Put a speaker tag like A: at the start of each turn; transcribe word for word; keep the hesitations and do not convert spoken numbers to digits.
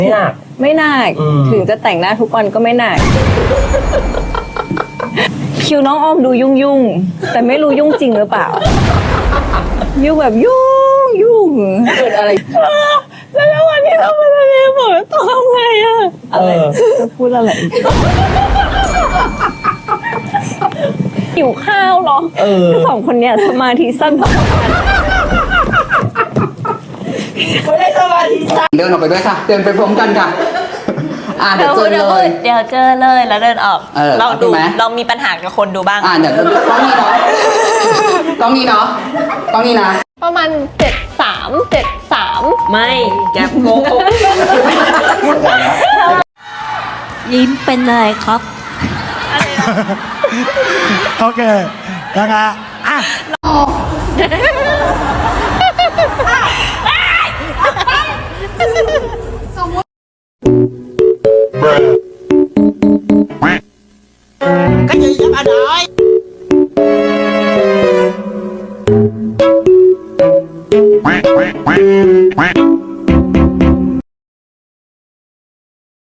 A: ไม่หนัก
B: ไม่หนักถึงจะแต่งหน้าทุกวันก็ไม่หนักคิวน้องออมดูยุ่งยุ่งแต่ไม่รู้ยุ่งจริงหรือเปล่ายุ่งแบบยุ่งยุ่ง
A: เกิดอะไร
B: แล้ววันนี้เราไปทะเลฝนตกทำไงอะอะไรจะพูดอะไรหิวข้าวเหรอสองคนเนี้ยสมาธิสั้นพอกัน
A: ไม่ได้สมาธิสั้น
C: เดินออกไปด้วยค่ะเดินไปพร้อมกันค่ะอ่าเดี๋ยวเจอเลย
D: เดี๋ยวเจอเลยแล้วเดินออก
C: เออ
D: เราดู
C: ไหม
D: เรามีปัญหากับคนดูบ้าง
C: อ่าเดี๋ยวต้องนี้เนาะต้องนี้เนาะต้องนี้นะ
B: ประมาณเจ็ดสามเจ็ดสาม
D: ไม่แกโกหก
E: ยิ้มเป็นอะไรครับ
F: โอเคยังไงอ่ะ
A: ก็ยังจะมาได้
G: quack quack quack quack